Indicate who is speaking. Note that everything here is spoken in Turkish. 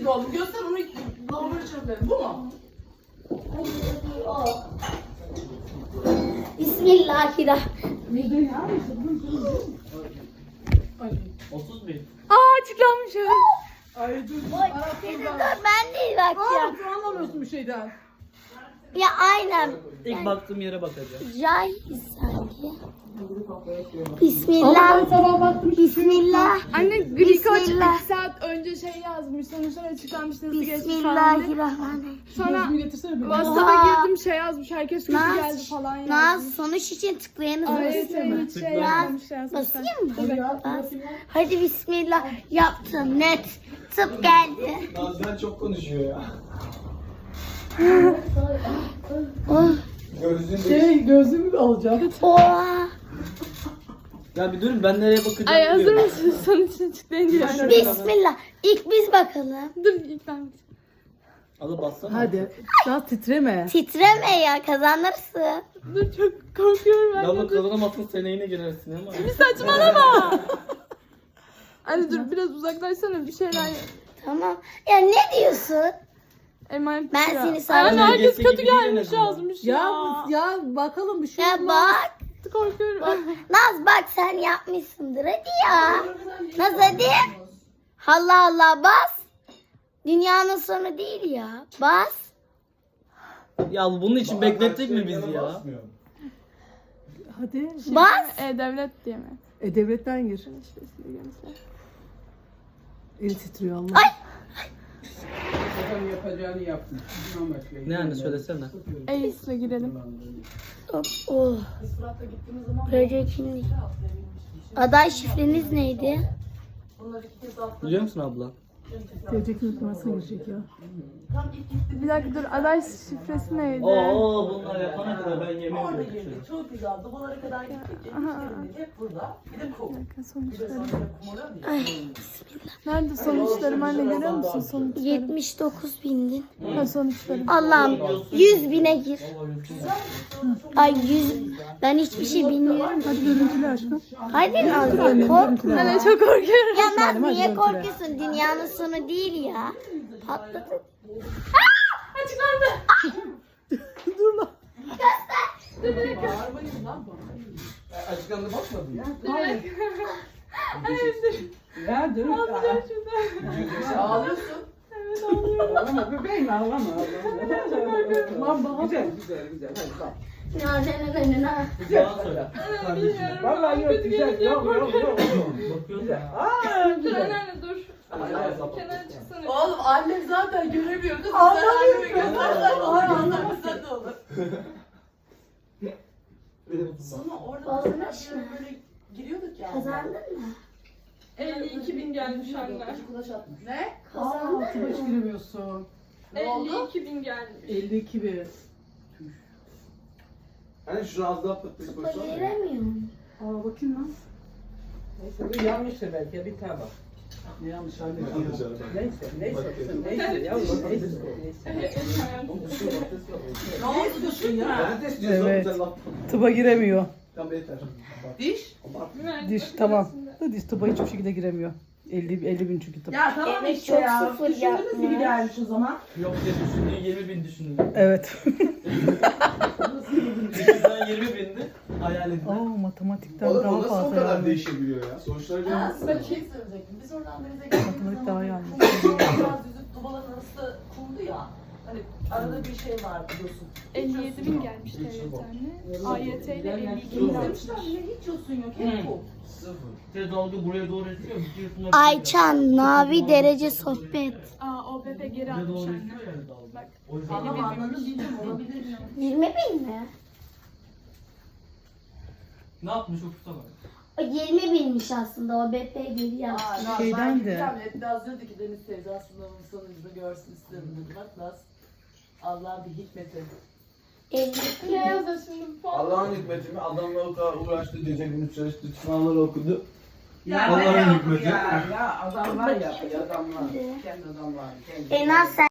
Speaker 1: gibi oldu. Göster onu lavabo çöpleri. Bu mu?
Speaker 2: Bismillahirrahmanirrahim.
Speaker 1: Ay.
Speaker 3: 30 bin.
Speaker 2: Açıklanmış evet.
Speaker 1: Ay dur.
Speaker 4: Dur ben değil bak ya.
Speaker 1: Aa, anlamıyorsun bir şeyden.
Speaker 4: Ya aynen.
Speaker 3: İlk baktığım yere bakacağım.
Speaker 4: Cahil sanki.
Speaker 1: Ama
Speaker 4: Bismillah.
Speaker 1: ben sabah baktım.
Speaker 4: Bismillah.
Speaker 2: Anne Griko
Speaker 4: Bismillah.
Speaker 2: 2 saat önce şey yazmış. Sonuçlar açıklanmış nasıl geçmiş falan diye.
Speaker 4: Bismillahirrahmanirrahim.
Speaker 2: Sonra
Speaker 1: Gözümü getirsene bir.
Speaker 2: WhatsApp'a
Speaker 4: Oha.
Speaker 2: girdim şey yazmış. Herkes kötü
Speaker 4: Naz,
Speaker 2: geldi falan yazmış.
Speaker 4: Naz sonuç için tıklayanız
Speaker 2: Evet
Speaker 4: basın.
Speaker 2: hiç şey
Speaker 3: Naz,
Speaker 2: yapmamış yazmışlar.
Speaker 4: Basayım mı?
Speaker 1: Hadi ya,
Speaker 4: Bas.
Speaker 1: bakayım ya.
Speaker 4: Hadi bismillah. Yaptım net. Tıp geldi.
Speaker 5: Nazan çok konuşuyor ya.
Speaker 4: Oh.
Speaker 5: Gözün
Speaker 1: Gözümü alacağım.
Speaker 4: Oha.
Speaker 3: Ya bir durun ben nereye bakacağım?
Speaker 2: Ay hazır
Speaker 3: bilmiyorum.
Speaker 2: mısın? Sonuçını açıklayınca yani.
Speaker 4: Bismillah. İlk biz bakalım.
Speaker 2: Dur ilk ben.
Speaker 3: Alıp bassana.
Speaker 1: Hadi. Daha titreme.
Speaker 4: Titreme ya kazanırsın.
Speaker 2: Dur çok korkuyorum ben.
Speaker 3: Ya
Speaker 2: de.
Speaker 3: bu kazanamazsın seneye yine girersin ama.
Speaker 2: Bir saçmalama. Anne dur biraz uzaklaşsana bir şeyler.
Speaker 4: Tamam. Ya ne diyorsun?
Speaker 2: Emanet
Speaker 4: Ben
Speaker 2: ya.
Speaker 4: seni
Speaker 2: Ay,
Speaker 4: sana-
Speaker 2: Anne herkes
Speaker 3: Geçse
Speaker 2: kötü
Speaker 3: gibi değil en
Speaker 2: gelmiş
Speaker 3: azından.
Speaker 2: yazmış
Speaker 1: Ya
Speaker 2: ya.
Speaker 1: ya bakalım bir şey
Speaker 4: Ya
Speaker 1: olmaz.
Speaker 4: bak.
Speaker 2: Korkuyorum.
Speaker 4: Naz bak sen yapmışsındır hadi ya. Naz hadi. Allah Allah bas. Dünyanın sonu değil ya. Bas.
Speaker 3: Ya bunun için beklettik mi bizi ya?
Speaker 1: Hadi.
Speaker 4: Bas.
Speaker 2: Devlet diye mi?
Speaker 1: Devletten gir.
Speaker 2: Şifresini göster.
Speaker 1: El titriyor Allah.
Speaker 4: Ay.
Speaker 6: Adam yapacağını yapmış. Bundan başka.
Speaker 3: Ne anne söylesene.
Speaker 2: Ace'le girelim.
Speaker 4: Oh.
Speaker 1: Biz Fırat'la gittiğimiz zaman
Speaker 4: Proje kimlik. Aday şifreniz neydi?
Speaker 1: bunlar iki kez atladı.
Speaker 3: Biliyor musun abla?
Speaker 1: Gelecek unutmasına girecek ya. Tam ilk gitti.
Speaker 2: Bir dakika dur aday şifresi neydi?
Speaker 3: Oo bunlar yapana kadar ben yemin
Speaker 1: Orada
Speaker 3: ediyorum.
Speaker 1: girdik. Çok güzel. Dubalara kadar gittik.
Speaker 2: Aha.
Speaker 1: Gittik hep burada. Bir de kum.
Speaker 2: Bir dakika
Speaker 1: Bir de
Speaker 2: sonuçları.
Speaker 1: sonra kumara diye.
Speaker 4: Ay.
Speaker 2: Nerede sonuçlarım anne görüyor musun sonuçları?
Speaker 4: 79 bindin.
Speaker 2: Ha sonuçlarım.
Speaker 4: Allah'ım 100 bine gir. Ay 100. Ben hiçbir şey bilmiyorum.
Speaker 1: Hadi görüntülü aşkım.
Speaker 4: Hadi Naz korkma.
Speaker 2: Anne çok korkuyorum.
Speaker 4: Ya Naz
Speaker 1: hadi
Speaker 4: niye
Speaker 1: görüntüle.
Speaker 4: korkuyorsun? Dünyanın sonu değil ya. Patladı.
Speaker 1: Dur lan. Bağırmayın lan bana.
Speaker 6: Açıklamada bakmadın ya.
Speaker 1: Ya dur.
Speaker 2: Ağlayacağım şimdi.
Speaker 1: Ağlıyorsun.
Speaker 2: Evet ağlıyorum.
Speaker 6: Ağlama bebeğim ağlama.
Speaker 1: Lan bana
Speaker 6: Güzel güzel güzel. Hadi bak.
Speaker 4: Nazan'ın önüne.
Speaker 3: Bana söyle.
Speaker 2: Anne bilmiyorum.
Speaker 6: Vallahi yok
Speaker 2: Kötü
Speaker 6: güzel.
Speaker 2: gelince
Speaker 6: Yok yok yok.
Speaker 3: Bakıyoruz
Speaker 6: Güzel.
Speaker 3: ya.
Speaker 6: Aa
Speaker 2: Dur
Speaker 6: güzel.
Speaker 2: anne dur. Kenara çıksana.
Speaker 1: Oğlum annem zaten göremiyordu. Sen annemi göstersen olur. Anlamasan da olur. Sonra orada
Speaker 4: Olmuş
Speaker 1: mesela
Speaker 4: mu?
Speaker 1: böyle giriyorduk ya.
Speaker 4: Kazandın mı?
Speaker 2: 52 bin gelmiş anne.
Speaker 1: Kulaç atmış. Ne?
Speaker 4: Kazandın
Speaker 1: Aa, tıpa hiç
Speaker 4: mı?
Speaker 1: giremiyorsun. Ne oldu?
Speaker 2: 52 bin gelmiş.
Speaker 1: 52 bir.
Speaker 5: Hani şu az daha pıtlık
Speaker 4: Kupa
Speaker 5: koysana.
Speaker 4: giremiyorum.
Speaker 1: Aa bakayım lan.
Speaker 6: Neyse bu yanlıştır belki bir tane bak.
Speaker 1: Ne yanlış anne.
Speaker 5: Yanlış araba.
Speaker 6: Neyse yavrum neyse.
Speaker 1: Ne oldu düşün ya?
Speaker 5: Ben de istiyorsun
Speaker 1: Evet.
Speaker 5: güzel laf.
Speaker 1: Tıba giremiyor.
Speaker 5: Tamam yeter.
Speaker 1: Diş? Diş tamam. Diş tıba hiçbir şekilde giremiyor. 50 bin çünkü tıba.
Speaker 7: Ya tamam
Speaker 4: Evet,
Speaker 7: işte
Speaker 4: çok
Speaker 7: ya.
Speaker 4: sıfır
Speaker 7: Düşündünüz
Speaker 4: yapmış.
Speaker 7: gibi gelmiş o zaman.
Speaker 3: Yok diye düşündüğü 20 bin düşündüm.
Speaker 1: Evet.
Speaker 3: Bizden 20 bindi. Hayal edin.
Speaker 1: Aa matematikten
Speaker 5: Oğlum
Speaker 1: daha
Speaker 5: o nasıl o
Speaker 1: fazla
Speaker 5: kadar
Speaker 1: yani.
Speaker 5: değişebiliyor ya? Sonuçları
Speaker 1: Ha,
Speaker 5: görüyor
Speaker 1: size bir
Speaker 5: musun?
Speaker 1: şey söyleyecektim. Biz oradan denize gittiğimiz Matematik daha iyi zaman anlıyor. kumda biraz yüzüp dubaların arası kumdu ya. Hani arada bir şey var biliyorsun.
Speaker 2: 57 bin gelmiş devlet anne. AYT ile 52 bin gelmiş.
Speaker 1: Demişler yine hiç yosun yok. Hep kum.
Speaker 3: Sıfır. Bir de dalga buraya doğru esiyor. Bitiyorsun.
Speaker 4: Ayçan Navi derece sohbet.
Speaker 2: Aa OBP geri
Speaker 3: Buraya
Speaker 2: almış
Speaker 3: doğru
Speaker 2: anne.
Speaker 3: esiyor ya dalga.
Speaker 2: Bak.
Speaker 3: O yüzden
Speaker 1: Tamam anladım diyeceğim olabilir.
Speaker 4: 20 bin mi?
Speaker 3: ne yapmış okusana.
Speaker 4: O 20 binmiş aslında o BP geri yaptı.
Speaker 1: Naz,
Speaker 7: Şeyden
Speaker 1: ben
Speaker 7: de.
Speaker 1: gideceğim. Hep Naz diyordu ki Deniz teyze aslında bunun sonucunu görsün istedim dedi. Bak Naz. Allah'ın bir hikmeti.
Speaker 4: 52
Speaker 2: Ne
Speaker 4: bin.
Speaker 2: yazıyor şimdi?
Speaker 5: Allah'ın hikmeti mi? Adamla o kadar uğraştı, gece gündüz çalıştı, sınavları okudu.
Speaker 6: Ya
Speaker 5: Allah'ın
Speaker 6: ne yaptı
Speaker 5: hikmeti.
Speaker 6: ya? Ya adamlar yapıyor adamlar. Kendi adamlar. Kendi
Speaker 4: En az sen